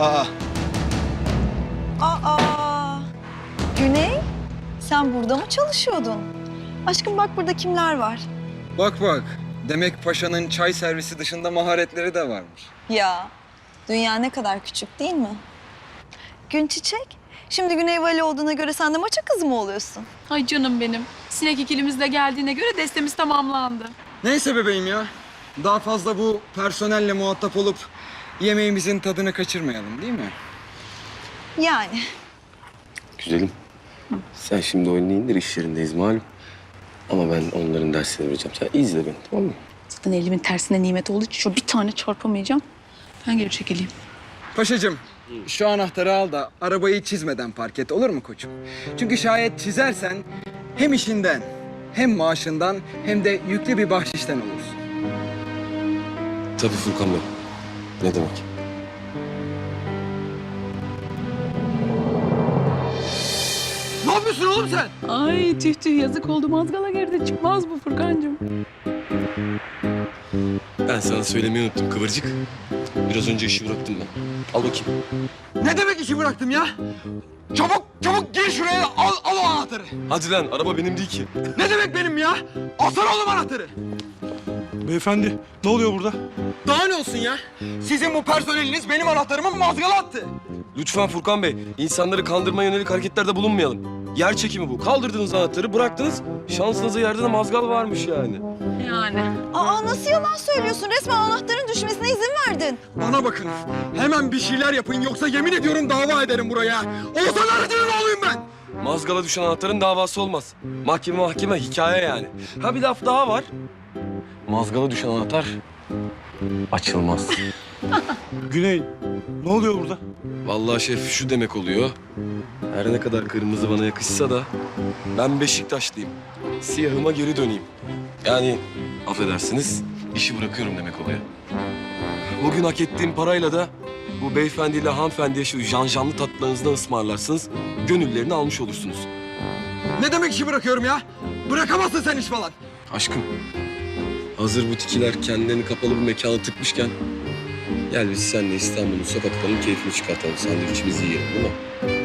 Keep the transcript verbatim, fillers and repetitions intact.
Aa, Aa, Güney, sen burada mı çalışıyordun? Aşkım bak burada kimler var? bak bak. Demek paşanın çay servisi dışında maharetleri de varmış. Ya, dünya ne kadar küçük değil mi? Gün Çiçek, şimdi Güney Vali olduğuna göre sen de maça kızı mı oluyorsun? Ay canım benim. Sinek ikilimiz de geldiğine göre destemiz tamamlandı. Neyse bebeğim ya. Daha fazla bu personelle muhatap olup yemeğimizin tadını kaçırmayalım değil mi? Yani. Güzelim. Sen şimdi oyunu indir, iş yerindeyiz malum. Ama ben onların dersini vereceğim. Sen izle beni, tamam mı? Zaten elimin tersine nimet olduğu için şu bir tane çarpamayacağım. Ben geri çekileyim. Paşacığım, şu anahtarı al da arabayı çizmeden park et, olur mu koçum? Çünkü şayet çizersen hem işinden, hem maaşından, hem de yüklü bir bahşişten olursun. Tabii Furkan Bey. Ne demek? Ne yapıyorsun oğlum sen? Ay tüh tüh yazık oldu. Mazgala geride çıkmaz bu Furkancığım. Ben sana söylemeyi unuttum Kıvırcık. Biraz önce işi bıraktım ben. Al bakayım. Ne demek işi bıraktım ya? Çabuk, çabuk gir şuraya, al, al o anahtarı. Hadi lan, araba benim değil ki. Ne demek benim ya? Alsana oğlum anahtarı. Beyefendi, ne oluyor burada? Daha ne olsun ya? Sizin bu personeliniz benim anahtarımı mazgala attı. Lütfen Furkan Bey, insanları kandırmaya yönelik hareketlerde bulunmayalım. Yer çekimi bu. Kaldırdınız anahtarı, bıraktınız. Şansınıza yerde de mazgal varmış yani. Yani. Aa, nasıl yalan söylüyorsun? Resmen anahtarın düşmesine izin verdin. Bana bakın, hemen bir şeyler yapın yoksa yemin ediyorum dava ederim buraya. Oğuzhan Arıcı'nın oğluyum ben. Mazgala düşen anahtarın davası olmaz. Mahkeme mahkeme hikaye yani. Ha bir laf daha var. Mazgala düşen anahtar açılmaz. Güney, ne oluyor burada? Vallahi şef şu demek oluyor. Her ne kadar kırmızı bana yakışsa da ben Beşiktaşlıyım. Siyahıma geri döneyim. Yani affedersiniz işi bırakıyorum demek oluyor. Bugün hak ettiğim parayla da bu beyefendiyle hanımefendiye şu janjanlı tatlılarınızdan ısmarlarsınız. Gönüllerini almış olursunuz. Ne demek işi bırakıyorum ya? Bırakamazsın sen iş falan. Aşkım, hazır butikiler kendilerini kapalı bir mekana tıkmışken gel biz seninle İstanbul'un sokaklarının keyfini çıkartalım. Sandviçimizi yiyelim değil mi?